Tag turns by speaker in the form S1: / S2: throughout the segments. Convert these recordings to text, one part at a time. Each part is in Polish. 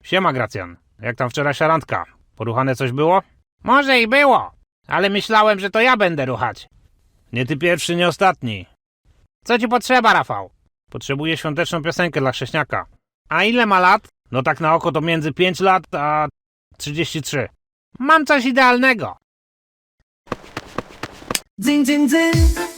S1: Siema, Gracjan. Jak tam wczorajsza randka? Poruchane coś było? Może i było, ale myślałem, że to ja będę ruchać. Nie ty pierwszy, nie ostatni. Co ci potrzeba, Rafał? Potrzebuję świąteczną piosenkę dla chrześniaka. A ile ma lat? No tak na oko to między 5 lat a 33. Mam coś idealnego.
S2: Dzyń, dzyń, dzyń.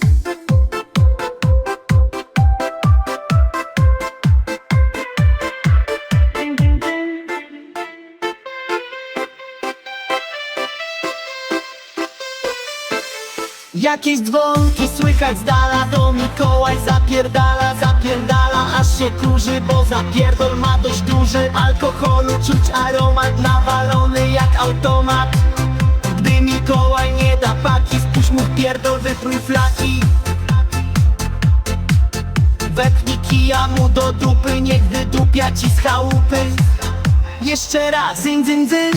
S2: Jakieś dzwonki słychać z dala, to Mikołaj zapierdala, zapierdala, aż się kurzy, bo zapierdol ma dość duży. Alkoholu czuć aromat, nawalony jak automat. Gdy Mikołaj nie da paki, spuść mu pierdol, wyprój flaki. Wepnij kija mu do dupy, niech wydupia ci z chałupy. Jeszcze raz, dzyń, dzyń, dzyń.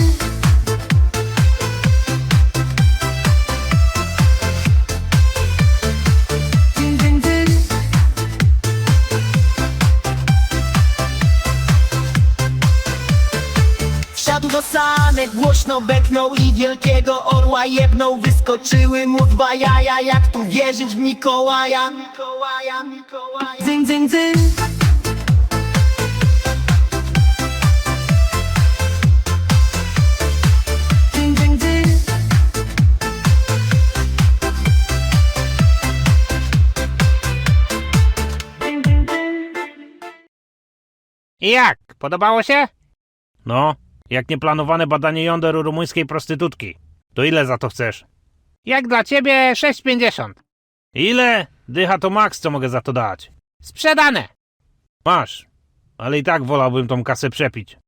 S2: Wsiadł do sanek, głośno beknął i wielkiego orła jebnął. Wyskoczyły mu dwa jaja, jak tu wierzyć w Mikołaja. Dzyń, dzyń, dzyń. Dzyń, dzyń, dzyń.
S1: I jak? Podobało się? No, jak nieplanowane badanie jąder u rumuńskiej prostytutki. To ile za to chcesz? Jak dla ciebie 6,50. Ile? Dycha to maks, co mogę za to dać. Sprzedane. Masz, ale i tak wolałbym tą kasę przepić.